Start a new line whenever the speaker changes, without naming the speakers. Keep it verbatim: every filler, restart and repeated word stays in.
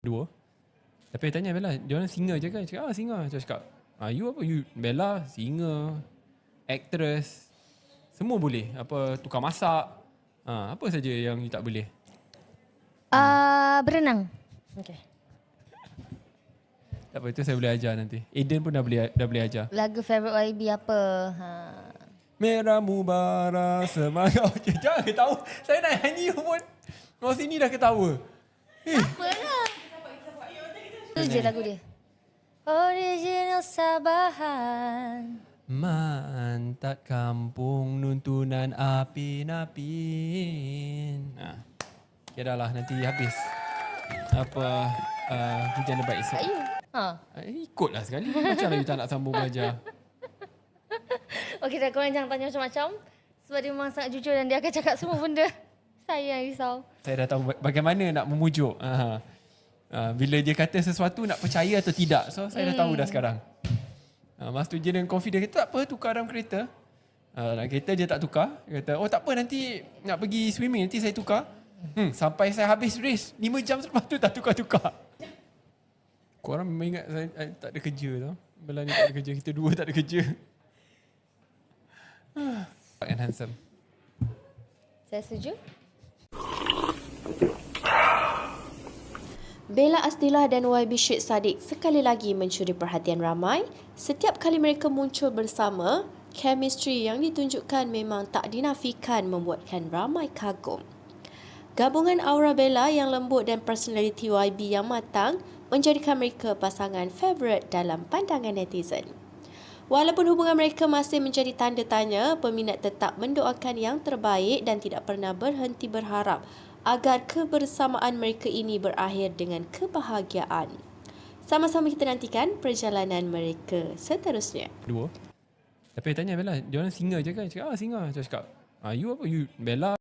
Dua. Tapi saya tanya Bella, dia orang singer je kan? Cakap, ah singer. Saya cakap, ah you apa? You Bella, singer, actress, semua boleh. Apa, tukar masak. Ah, apa saja yang you tak boleh?
Uh, berenang. Okay.
Tak apa, itu saya boleh ajar nanti. Aiden pun dah boleh dah boleh ajar.
Lagu favourite Y B apa? Ha.
Merah mubara semangat. Okay, jangan ketawa. Saya nak nyanyi pun. Orang sini dah ketawa. Eh.
Apalah. Itu je lagu dia. Original Sabahan.
Mantat kampung nuntunan apin-apin. Nah. Ya dah lah, nanti habis. Apa uh, hujan lebat esok.
Tak you. Ha.
Eh, ikutlah sekali. Macam lah you tak nak sambung belajar.
Okey dah, korang jangan tanya macam-macam. Sebab dia memang sangat jujur dan dia akan cakap semua benda. Saya yang risau.
Saya dah tahu bagaimana nak memujuk. Uh, uh, bila dia kata sesuatu nak percaya atau tidak. So saya dah tahu dah sekarang. Uh, masa tu je dengan confident kata, tak apa tukar dalam kereta. Uh, dalam kereta dia tak tukar. Dia kata, oh tak apa nanti nak pergi swimming, nanti saya tukar. Hmm, sampai saya habis race, lima jam selepas tu tak tukar-tukar. Korang memang ingat saya, saya tak ada kerja tau. Bella ni tak ada kerja, kita dua tak ada kerja. And handsome.
Saya setuju.
Bella Asdilah dan Y B Syed Saddiq sekali lagi mencuri perhatian ramai. Setiap kali mereka muncul bersama, chemistry yang ditunjukkan memang tak dinafikan membuatkan ramai kagum. Gabungan aura Bella yang lembut dan personality Y B yang matang menjadikan mereka pasangan favourite dalam pandangan netizen. Walaupun hubungan mereka masih menjadi tanda tanya, peminat tetap mendoakan yang terbaik dan tidak pernah berhenti berharap agar kebersamaan mereka ini berakhir dengan kebahagiaan. Sama-sama kita nantikan perjalanan mereka seterusnya.
Dua. Tapi saya tanya Bella, dia orang singer je kan? Cakap, ah singer. Saya cakap, ah you apa? You Bella